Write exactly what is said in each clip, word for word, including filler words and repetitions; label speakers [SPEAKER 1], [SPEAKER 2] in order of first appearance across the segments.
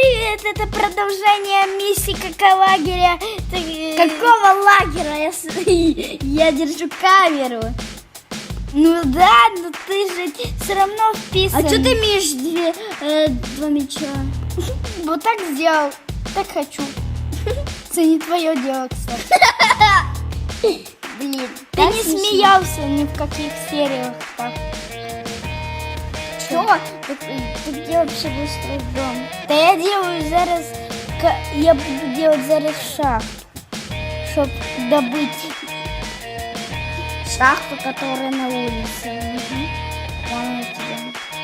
[SPEAKER 1] привет! Это продолжение миссии какого лагеря? Какого лагеря? Я, с- я держу камеру. Ну да, но ты же все равно вписан.
[SPEAKER 2] А что ты имеешь две, э, два мяча?
[SPEAKER 1] Вот так сделал. Так хочу. Это не твое дело, кстати.
[SPEAKER 2] Блин,
[SPEAKER 1] Ты не смеялся ни в каких сериях так.
[SPEAKER 2] Что? Ты, ты где вообще будешь строить дом?
[SPEAKER 1] Да я делаю зараз, ка- я буду делать зараз шахту, чтобы добыть
[SPEAKER 2] Шахту, которая на улице. Понял тебя.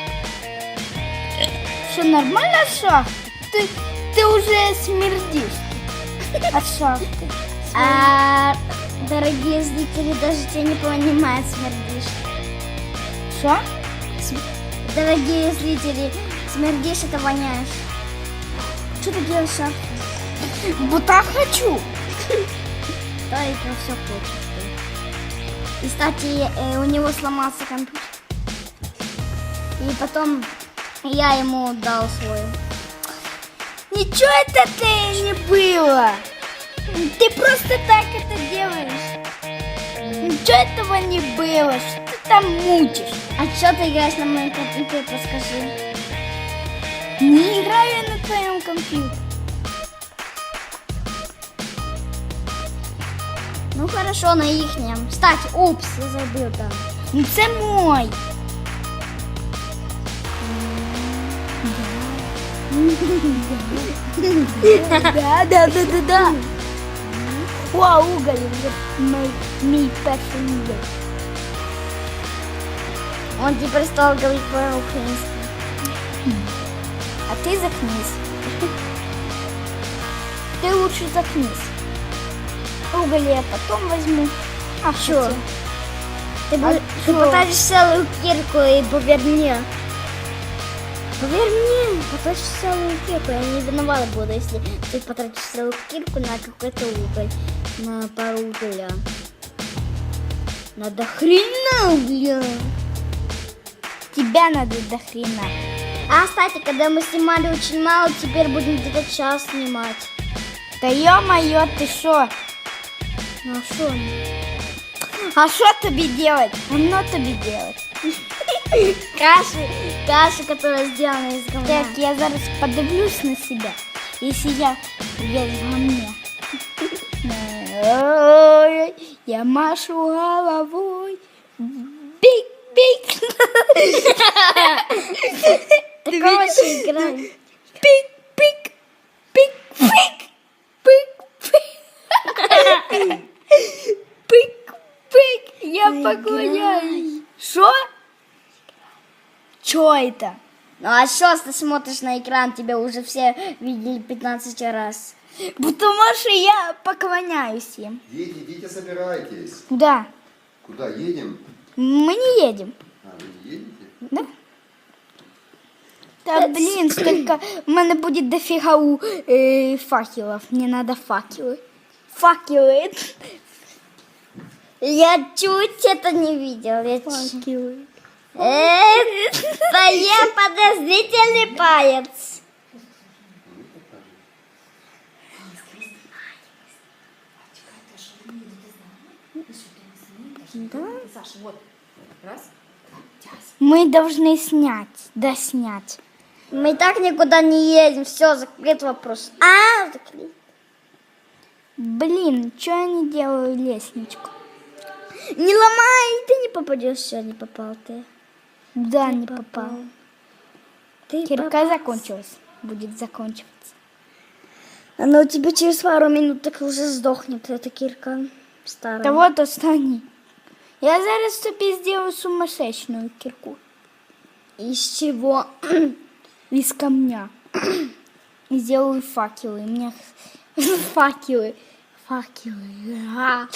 [SPEAKER 1] Что, нормально шахта? Ты, ты уже смердишь от шахты.
[SPEAKER 2] А, дорогие зрители, даже тебя не понимают, смердишь.
[SPEAKER 1] Что?
[SPEAKER 2] Дорогие зрители, смердишь, это воняешь. Что ты делаешь в шахте?
[SPEAKER 1] Вот так хочу.
[SPEAKER 2] Да, и про все хочешь ты. И, кстати, э, у него сломался компьютер. И потом я ему дал свой.
[SPEAKER 1] Ничего это ты не было. Ты просто так это делаешь. Ничего этого не было. Что ты там мутишь?
[SPEAKER 2] А что ты играешь на моем компьютере, подскажи?
[SPEAKER 1] Не играю я на твоем компьютере.
[SPEAKER 2] Ну хорошо, на ихнем. Кстати, упс, я забыл там.
[SPEAKER 1] Ну це мой. Да, да, да, да, да. О, уголь, вже мій, мій перший уголь.
[SPEAKER 2] Он теперь стал говорить по-украински.
[SPEAKER 1] А ты заткнись. Ты лучше заткнись. Уголь я потом возьму. А
[SPEAKER 2] Чё?
[SPEAKER 1] что?
[SPEAKER 2] Ты,
[SPEAKER 1] А
[SPEAKER 2] бы- ты
[SPEAKER 1] чё?
[SPEAKER 2] потратишь целую кирку и поверь мне. Поверь мне, потратишь целую кирку. Я не виновата буду, если ты потратишь целую кирку на какой-то уголь. На пару угля. Надо хрена угля.
[SPEAKER 1] Тебя надо до хрена.
[SPEAKER 2] А, кстати, когда мы снимали очень мало, теперь будем где-то час снимать.
[SPEAKER 1] Да ё-моё, ты шо?
[SPEAKER 2] Ну а что?
[SPEAKER 1] А что тебе делать? Оно тебе делать.
[SPEAKER 2] Каша, каша, которая сделана из говна.
[SPEAKER 1] Так, я зараз подивлюсь на себя, если я весь во мне. Ой, я машу головой. Бик-бик.
[SPEAKER 2] Так короче, играем.
[SPEAKER 1] Пик-пик. Пик-пик. Пик-пик. Пик-пик. Я поклоняюсь. Что? Что это?
[SPEAKER 2] Ну а что ты смотришь на экран, тебя уже все видели пятнадцать раз.
[SPEAKER 1] Потому что я поклоняюсь им.
[SPEAKER 3] Дети, идите, собирайтесь.
[SPEAKER 1] Куда?
[SPEAKER 3] Куда едем?
[SPEAKER 1] Мы не едем.
[SPEAKER 3] А, вы не едете?
[SPEAKER 1] Да? Да блин, столько... У меня будет дофига у э, факелов. Мне надо факелы. Факелы.
[SPEAKER 2] Я чуть это не видел. Я чуть...
[SPEAKER 1] Факелы.
[SPEAKER 2] Э, твоя подозрительный палец.
[SPEAKER 1] Мы должны снять. Да снять.
[SPEAKER 2] Мы и так никуда не едем. Все, закрыт вопрос. А, закрыт.
[SPEAKER 1] Блин, что я не делаю лестничку?
[SPEAKER 2] Не ломай, ты не попадешь. Все, не попал ты.
[SPEAKER 1] Да, не попал.
[SPEAKER 2] Ты
[SPEAKER 1] Кирка
[SPEAKER 2] попал.
[SPEAKER 1] закончилась. Будет заканчиваться.
[SPEAKER 2] Она у тебя через пару минут так уже сдохнет, эта кирка старая.
[SPEAKER 1] Да вот остань. Я зараз тобі сделаю сумасшедшую кирку.
[SPEAKER 2] Из чего?
[SPEAKER 1] Из камня. И сделаю факелы. У меня факелы. Факелы. А.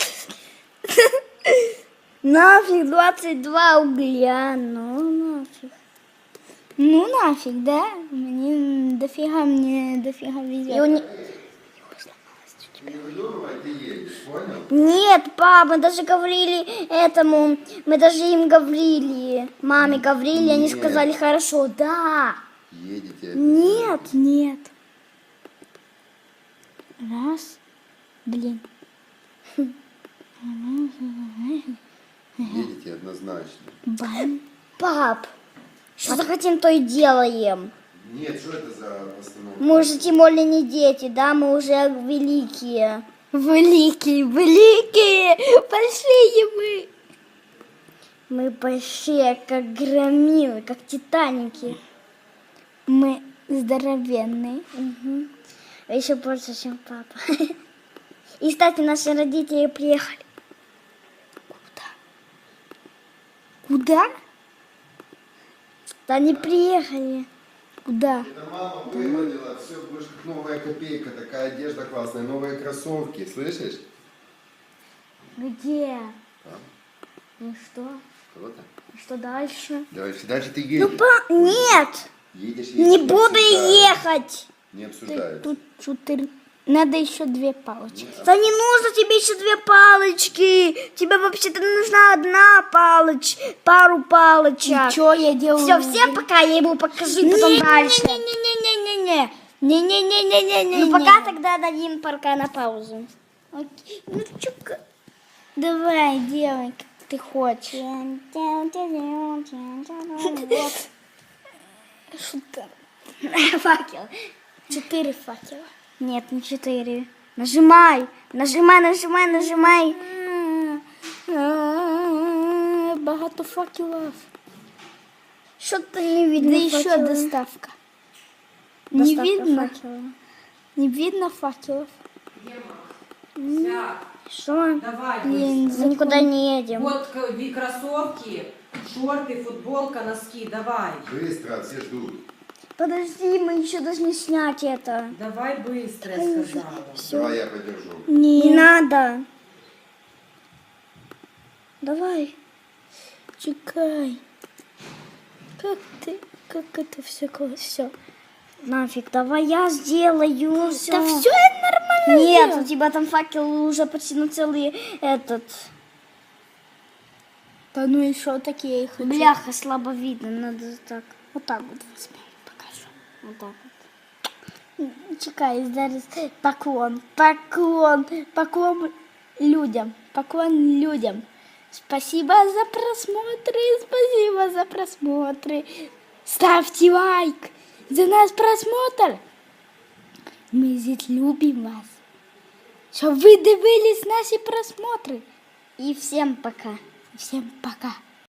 [SPEAKER 2] Нафиг двадцать два угля, ну нафиг.
[SPEAKER 1] Ну нафиг, да? Мне дофига, мне дофига
[SPEAKER 2] И
[SPEAKER 1] везет.
[SPEAKER 2] у не-
[SPEAKER 3] Не выдумывай, ты едешь, понял?
[SPEAKER 2] Нет, пап, мы даже говорили этому, мы даже им говорили, маме говорили, они
[SPEAKER 3] Нет.
[SPEAKER 2] сказали хорошо, да.
[SPEAKER 3] Едете.
[SPEAKER 2] Нет,
[SPEAKER 1] Нет. Раз. Блин.
[SPEAKER 3] Едете однозначно.
[SPEAKER 1] Бам.
[SPEAKER 2] Пап, что захотим, то и делаем.
[SPEAKER 3] Нет, что это за постановка?
[SPEAKER 2] Мы уже тем более не дети, да, мы уже великие.
[SPEAKER 1] Великие, великие, большие мы.
[SPEAKER 2] Мы большие, как громилы, как титаники.
[SPEAKER 1] Мы здоровенные.
[SPEAKER 2] Угу. Еще больше, чем папа. И, кстати, наши родители приехали.
[SPEAKER 1] Куда?
[SPEAKER 2] Да они приехали.
[SPEAKER 1] Куда?
[SPEAKER 3] Это мама выводила, все, будешь как новая копейка, такая одежда классная, новые кроссовки, слышишь?
[SPEAKER 2] Где?
[SPEAKER 3] Там.
[SPEAKER 2] Ну что?
[SPEAKER 3] Кого-то?
[SPEAKER 2] Что дальше?
[SPEAKER 3] Дальше, дальше ты
[SPEAKER 2] Ну,
[SPEAKER 3] едешь.
[SPEAKER 2] па... Нет!
[SPEAKER 3] Едешь, едешь,
[SPEAKER 2] Не буду
[SPEAKER 3] обсуждают.
[SPEAKER 2] ехать!
[SPEAKER 3] Не обсуждают.
[SPEAKER 1] Тут четыре. Надо еще две палочки.
[SPEAKER 2] Да не нужно тебе еще две палочки. Тебе вообще-то нужна одна палочка, пару палочек.
[SPEAKER 1] Что я делаю?
[SPEAKER 2] Все, всем пока, я ему покажу, и потом дальше.
[SPEAKER 1] Не-не-не-не-не-не. Не-не-не-не-не-не.
[SPEAKER 2] Ну пока тогда дадим пока на паузу.
[SPEAKER 1] Окей. Ну, чё-ка. Давай, делай, как ты хочешь. Шутка.
[SPEAKER 2] Факел.
[SPEAKER 1] Четыре факела.
[SPEAKER 2] Нет, не четыре. Нажимай, нажимай, нажимай, нажимай.
[SPEAKER 1] Багато факелов.
[SPEAKER 2] Что-то не видно.
[SPEAKER 1] Да еще
[SPEAKER 2] факела.
[SPEAKER 1] доставка. Не
[SPEAKER 2] Доставка
[SPEAKER 1] видно?
[SPEAKER 2] факела.
[SPEAKER 1] Не видно факелов.
[SPEAKER 2] Что?
[SPEAKER 4] Давай,
[SPEAKER 1] Блин,
[SPEAKER 4] быстро.
[SPEAKER 2] Мы никуда не едем.
[SPEAKER 4] Вот к- ви- кроссовки, шорты, футболка, носки. Давай.
[SPEAKER 3] Быстро, все ждут.
[SPEAKER 2] Подожди, мы еще должны снять это.
[SPEAKER 4] Давай быстро, я сказала.
[SPEAKER 3] Давай я подержу.
[SPEAKER 2] Не
[SPEAKER 1] Не,
[SPEAKER 2] надо.
[SPEAKER 1] давай. Чекай. Как ты, как это все, все.
[SPEAKER 2] Нафиг, давай я сделаю. Все.
[SPEAKER 1] Да все нормально.
[SPEAKER 2] Нет,
[SPEAKER 1] сделал.
[SPEAKER 2] у тебя там факел уже почти на целый этот.
[SPEAKER 1] Да ну и что такие их?
[SPEAKER 2] Бляха, слабо видно, надо так.
[SPEAKER 1] Вот так вот возьми, покажу.
[SPEAKER 2] Вот так вот.
[SPEAKER 1] Чекай, зараз поклон, поклон, поклон людям, поклон людям. Спасибо за просмотры, спасибо за просмотры. Ставьте лайк за наш просмотр. Ми здесь любим вас. Щоб ви дивились наші просмотри.
[SPEAKER 2] И всем пока.
[SPEAKER 1] Всем пока.